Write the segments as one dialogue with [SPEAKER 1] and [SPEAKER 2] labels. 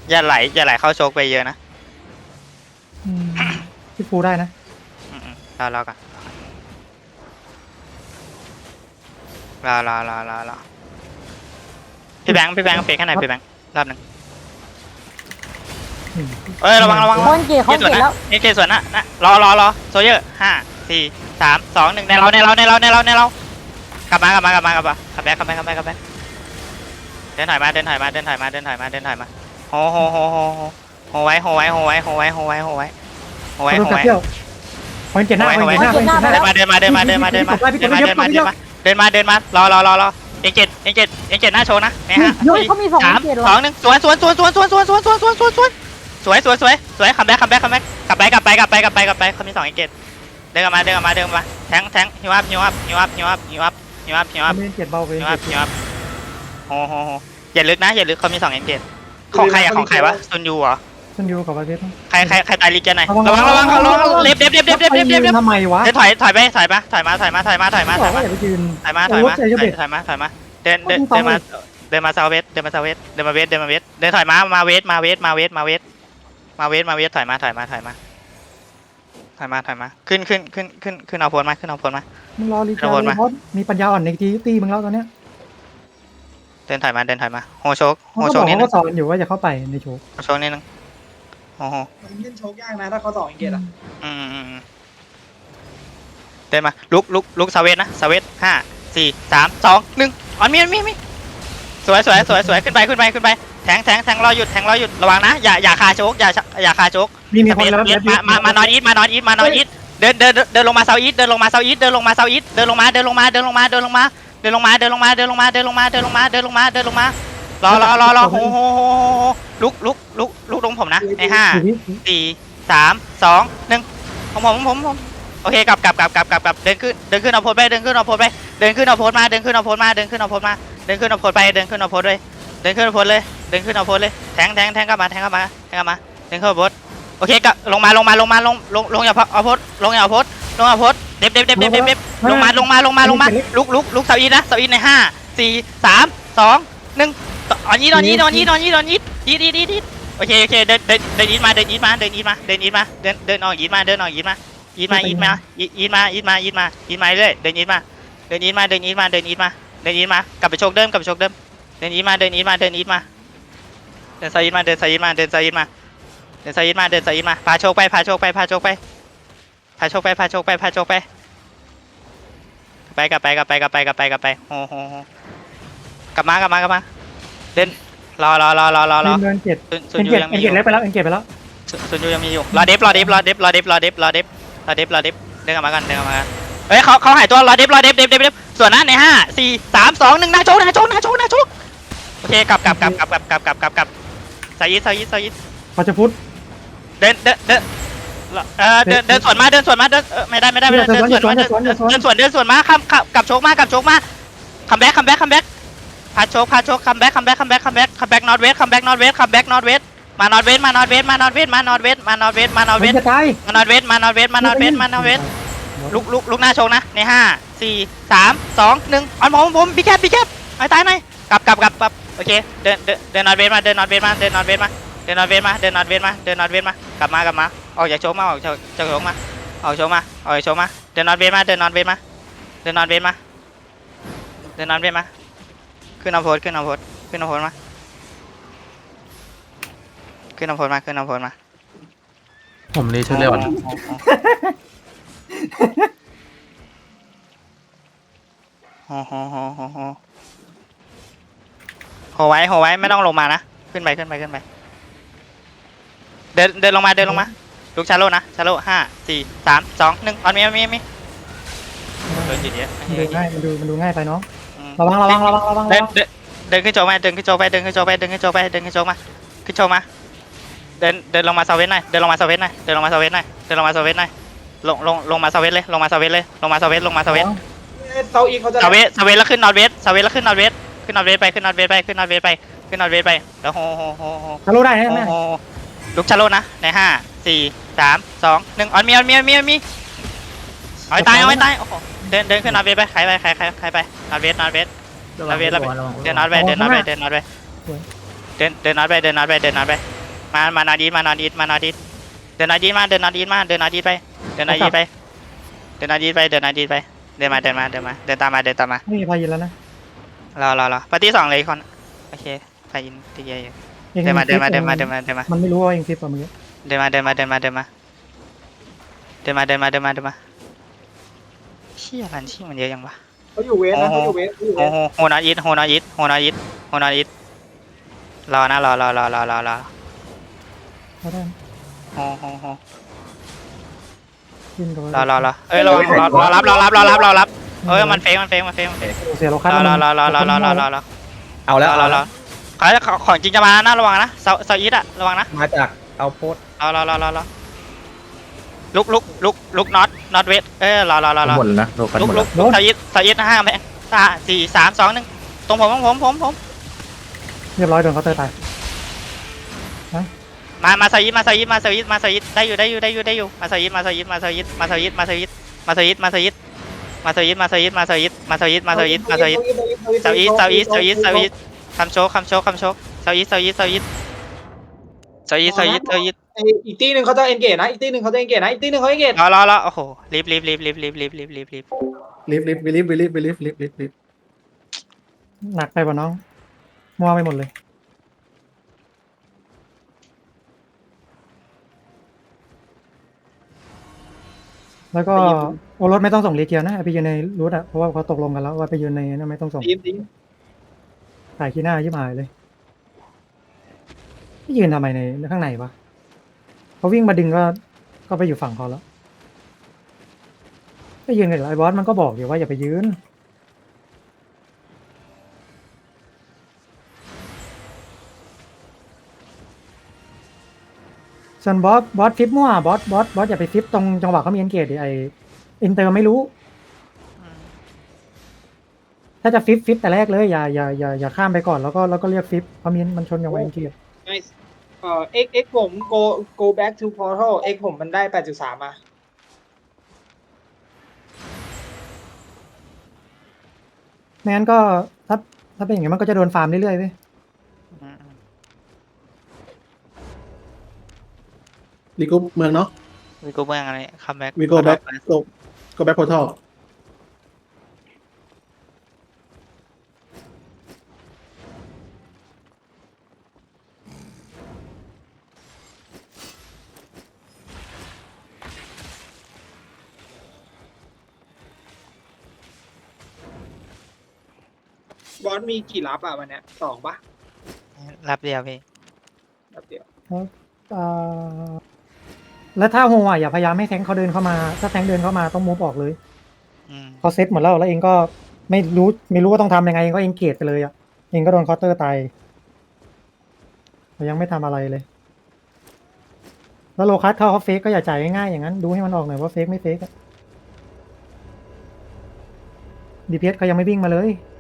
[SPEAKER 1] อย่าไหลเข้าโชกไปเยอะนะ
[SPEAKER 2] พี่ฟูได้นะ
[SPEAKER 1] รอกันรอพี่แบงค์เฟกให้หน่อยพี่แบงค์รอบหนึ่งระวัง
[SPEAKER 3] เขาเกลียดแล้ว
[SPEAKER 1] เอเกส่วนนะรอโซเยอร์5 4 3 2 1ในเรากลับมากลับแบ็คเดินถอยมาโหไว้พอยเจ็ดหน้าเดินมารอเอ็งเจ็ดหน้าโชว์นะเนี่ยฮะ
[SPEAKER 3] เขามี2 เกลียด
[SPEAKER 1] 3 2 1สวยคัมแบ็คกลับไปเขามี2เอ็งเจ็ดเดินกลับมาแทงฮิวอัพ
[SPEAKER 2] ไม่เจ็ดเบาไป
[SPEAKER 1] โหอย่าลึกเขามี2เอ็งเจ็ดของใครวะซุนยูเหรอ
[SPEAKER 2] ฉันอยู่กับประเทศ
[SPEAKER 1] ใครตายลิกแกไหนระวังเล็บ
[SPEAKER 2] ทำไมวะ
[SPEAKER 1] ถอยมา
[SPEAKER 2] อย่าไปยืน
[SPEAKER 1] เดินมาเซาเวสเดินถอยมาเวสถอยมาขึ้นเอาโพลมา
[SPEAKER 2] มึงรอรีเจอร์เพราะมีปัญญาอ่อนในตีมึงแล้วตอนเนี้ย
[SPEAKER 1] เดินถอยมาโฮโชกนี่
[SPEAKER 2] เขาสอนอยู่ว่าจะเข้าไปในโชก
[SPEAKER 1] โชกนี่นึงโอ้โห
[SPEAKER 4] มันเล่นโชคยากนะถ้าเขา2 เกตอ่ะ
[SPEAKER 1] เดินมาลุกเซาเวสนะเซาเวส5 4 3 2 1อ๋อมีสวยขึ้นไปแทงรอหยุดระวังนะอย่าคาโชกอย่าคาโชก
[SPEAKER 2] มีคนแล้ว
[SPEAKER 1] มานอนอีทเดินลงมาเซาอีทเดินลงมาเรอโหลุกลงผมนะใน5 4 3 2 1ผมโอเคกลับเดินขึ้นเอาโพสไปเดินขึ้นเอาโพสเลยแทงกลับมาเดินขึ้นเอาโพสโอเคก็ลงอย่าเอาโพสลงเด็บลงมาลุกเสาอีนะเสาอีใน5 4 3 2 1อ๋อยีดโอเคเดินยีดมาเดินออกยีดมาเดินมาเรื่อยเดินยีดมากลับไปโชคเดิมเดินยีดมาเดินไซด์มาพาโชคไปกลับไปโหกลับมาเดินรอ
[SPEAKER 2] เดินเจ็ดแล้วไปแล้วเก็บไปแล้ว
[SPEAKER 1] ซุนยูยังมีอยู่รอเดฟเดินกลับมากันเฮ้ยเขาหายตัวรอเดฟส่วนนั้นใน5 4 3 2 1นาโชกโอเคกลับไซด์
[SPEAKER 2] เขาจะพุทธ
[SPEAKER 1] เดินสวนมาไม่ได้เดินสวนมากลับโชกมาคัมแบ็กพาโชกคัมแบ็กนอร์ทเวสมานอร์ทเวส
[SPEAKER 2] จะตาย
[SPEAKER 1] ลุกหน้าโชกนะใน5 4 3 2 1อันผมพี่แคบไอ้ตายหน่อยกลับโอเคเดินนอร์ทเวสมากลับมาออกจากโชกมาเดินนอร์ทเวสมาเดินนอร์ทเวสมาขึ้นเอาโพสมา
[SPEAKER 5] ผมรีชุดเร็ว
[SPEAKER 1] โหไว้ไม่ต้องลงมานะขึ้นไปเดินลงมาลูกชาโลนะชาโล5 4 3 2 1ออนมีโดนจีเดีย
[SPEAKER 2] มันดูง่ายไปเนาะระวัง
[SPEAKER 1] เดินขึ้นโจมาขึ้นโจมาเดินลงมาเซาเวสหน่อยลงมาเซาเวส
[SPEAKER 4] เซาอีเขาจะ
[SPEAKER 1] เซาเวสแล้วขึ้นนอร์เวสไปแล้วโห
[SPEAKER 2] ทะลุได้ไหม
[SPEAKER 1] ลูกชาโลนะใน5 4 3 2 1ออนมีเอาตายโอ้โหเดินขึ้นนอร์เวสไปใครไปนอร์เวสเดินนอร์เวสมานอดีตมานอดีตมานอดีตเดินนอดีตมาเดินนอดีตมาเดินนอดีตไปเดินนอดีตไปเดินนอดีตไปเดินนอดีตไปเดินมาเดินมาเดินมาเดินตามมาเดินตามมา
[SPEAKER 2] ไม่มีพายินแล้วนะ
[SPEAKER 1] รอปาร์ตี้สองเลยคนโอเคไปอินตีเยอะ
[SPEAKER 2] เอง
[SPEAKER 1] เดินมา
[SPEAKER 2] ฟิป
[SPEAKER 1] เดินมา
[SPEAKER 2] มันไม่รู้ว่าเองฟิปป่ะเมื่อกี้
[SPEAKER 1] เดินมาเชี่ยรันชิ่งมันเยอะยังวะ
[SPEAKER 4] เขาอยู่เวสนะเขาอยู่เวสเขาอยู่เวส
[SPEAKER 1] โฮนาอิทรอนะรอ
[SPEAKER 2] เขาได้
[SPEAKER 1] โฮ
[SPEAKER 2] ขึ้นตัว
[SPEAKER 1] รอเอ้ยรอรับเอ้ยมันเฟก
[SPEAKER 2] เสียโลคัส
[SPEAKER 1] รอ
[SPEAKER 5] เอาแล้ว
[SPEAKER 1] ของจริงจะมานะระวังนะเซาอิทอะระวังนะ
[SPEAKER 5] มาจากเอาโพส
[SPEAKER 1] รอลุกน็อตเวทเอ้ยรอ
[SPEAKER 5] หมดแล้วนะโลกันหมด
[SPEAKER 1] ลุ
[SPEAKER 5] แล้ว
[SPEAKER 1] กเซาอิท5แม่4 3 2 1ตรงผม
[SPEAKER 2] เรียบร้อยโดนเขาเตอร์ตาย
[SPEAKER 1] มาเซาอิทได้อยู่มาเซาอิทคำโชกเซาอิท
[SPEAKER 4] ไออีกตีหนึ่งเขาจะเอนเกจนะอีกตีหนึ่งเขาจะเอนเกจนะอีกตีหนึ่งเขาเอนเกจ
[SPEAKER 1] รอโอ้โหรีบ
[SPEAKER 2] ลิฟหนักไปป่ะน้องมัวไปหมดเลยแล้วก็โอรสไม่ต้องส่งรีเกียร์นะไปยืนในรูทอะเพราะว่าเขาตกลงกันแล้วว่าไปยืนในนั้นไม่ต้องส่ง
[SPEAKER 4] ทีม
[SPEAKER 2] ถ่ายขี้หน้ายิบหายเลยไม่ยืนทำไมในข้างในวะเขาวิ่งมาดึงก็ไปอยู่ฝั่งเขาแล้วไปยืนกันไอ้บอสมันก็บอกอยู่ว่าอย่าไปยืนส่วนบอสฟิปมั่วบอสอย่าไปฟิปตรงจังหวะเขามีเอ็นเกจดิไออินเตอร์ไม่รู้ ถ้าจะฟิปแต่แรกเลยอย่าข้ามไปก่อนแล้วก็เรียกฟิปเพราะมันชนกับเอ็นเกจ
[SPEAKER 4] X ผม go back to portal X ผมมันได้ 8.3 มา
[SPEAKER 2] ไม่งั้นก็ถ้าเป็นอย่างนี้มันก็จะโดนฟาร์มเรื่อยๆเว้ย
[SPEAKER 3] วีโก้เมืองเนาะ
[SPEAKER 1] วิโก้เมืองอะไรคัมแบ็ก
[SPEAKER 3] วีโก้แบ็คก็แบ็คพอร์ทัล
[SPEAKER 4] บอสมีกี่รับอ่ะวันเนี้ย2 ป่ะ
[SPEAKER 1] รับเดียวพี่
[SPEAKER 4] รับเดียว
[SPEAKER 2] อ่าแล้วถ้าโฮอ่ะอย่าพยายามให้แทงค์เขาเดินเข้ามาถ้าแทงค์เดินเข้ามาต้องมูฟออกเลยเขาเซตหมดแล้วเองก็ไม่รู้ว่าต้องทำยังไงเองก็เองเกตไปเลยอ่ะเองก็โดนเคาน์เตอร์ตายแต่ยังไม่ทำอะไรเลย แล้วโลคัสเข้าเขาเฟกก็อย่าจ่ายง่ายๆอย่างนั้นดูให้มันออกหน่อยว่าเฟกไม่เฟกอะดีพีเอสเขายังไม่วิ่งมาเลย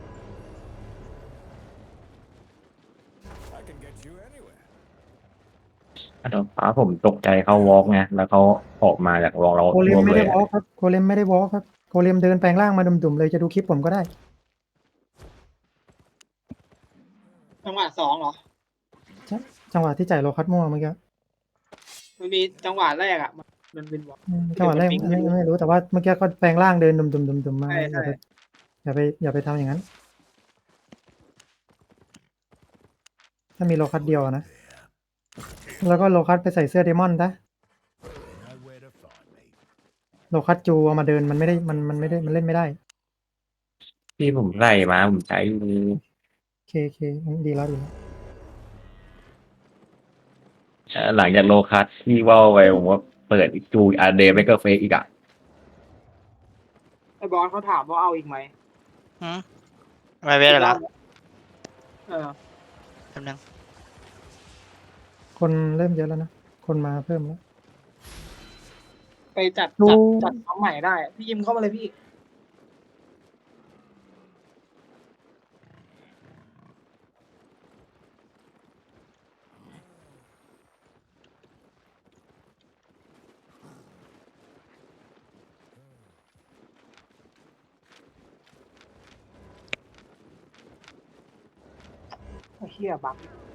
[SPEAKER 5] ฟ้าผมตกใจเขาวอล์กไงแล้วเขาออกมาจากวอล์กเรา
[SPEAKER 2] โคเลมไม่
[SPEAKER 5] เล
[SPEAKER 2] ได้
[SPEAKER 5] ยว
[SPEAKER 2] อล์กครับโคเลมไม่ได้วอล์กครับโคเลมเดินแปลงร่างมาดุ่มๆเลยจะดูคลิปผมก็ได้
[SPEAKER 4] จังหวะ2เหรอ
[SPEAKER 2] จังหวะที่จ่ายโลคัสมั่วเมื่อกี้
[SPEAKER 4] มันมีจังหวะแรกอ่ะมันเป็นบอก
[SPEAKER 2] จังหวะแรกไม่รู้แต่ว่าเมื่อกี้ก็แปลงร่างเดินดุ่มๆมา
[SPEAKER 4] ใช่
[SPEAKER 2] อย่าไปทำอย่างนั้น ถ้ามีโลคัสเดียวนะแล้วก็โลคัสไปใส่เสื้อเดมอนซะโลคัสจูเอามาเดินมันไม่ได้มันไม่ได้มันเล่นไม่ได้
[SPEAKER 5] ที่ผมใส่มาผมใช้
[SPEAKER 2] เคดีแล้ว
[SPEAKER 5] หลังจากโลคัสที่ว่าไปผมว่าเปิดจูอาเดย์ไม่ก็เฟกอีกอ่ะ
[SPEAKER 4] ไอ้บอสเขาถามว่าเอาอีกไหม
[SPEAKER 1] ไม่เวทเหรอ
[SPEAKER 4] เออ
[SPEAKER 1] แป๊บนึง
[SPEAKER 2] คนเริ่มเยอะแล้วนะคนมาเพิ่มแล้ว
[SPEAKER 4] ไปจัดน้องใหม่ได้พี่ยิมเข้ามาเลยพี่เฮียบัก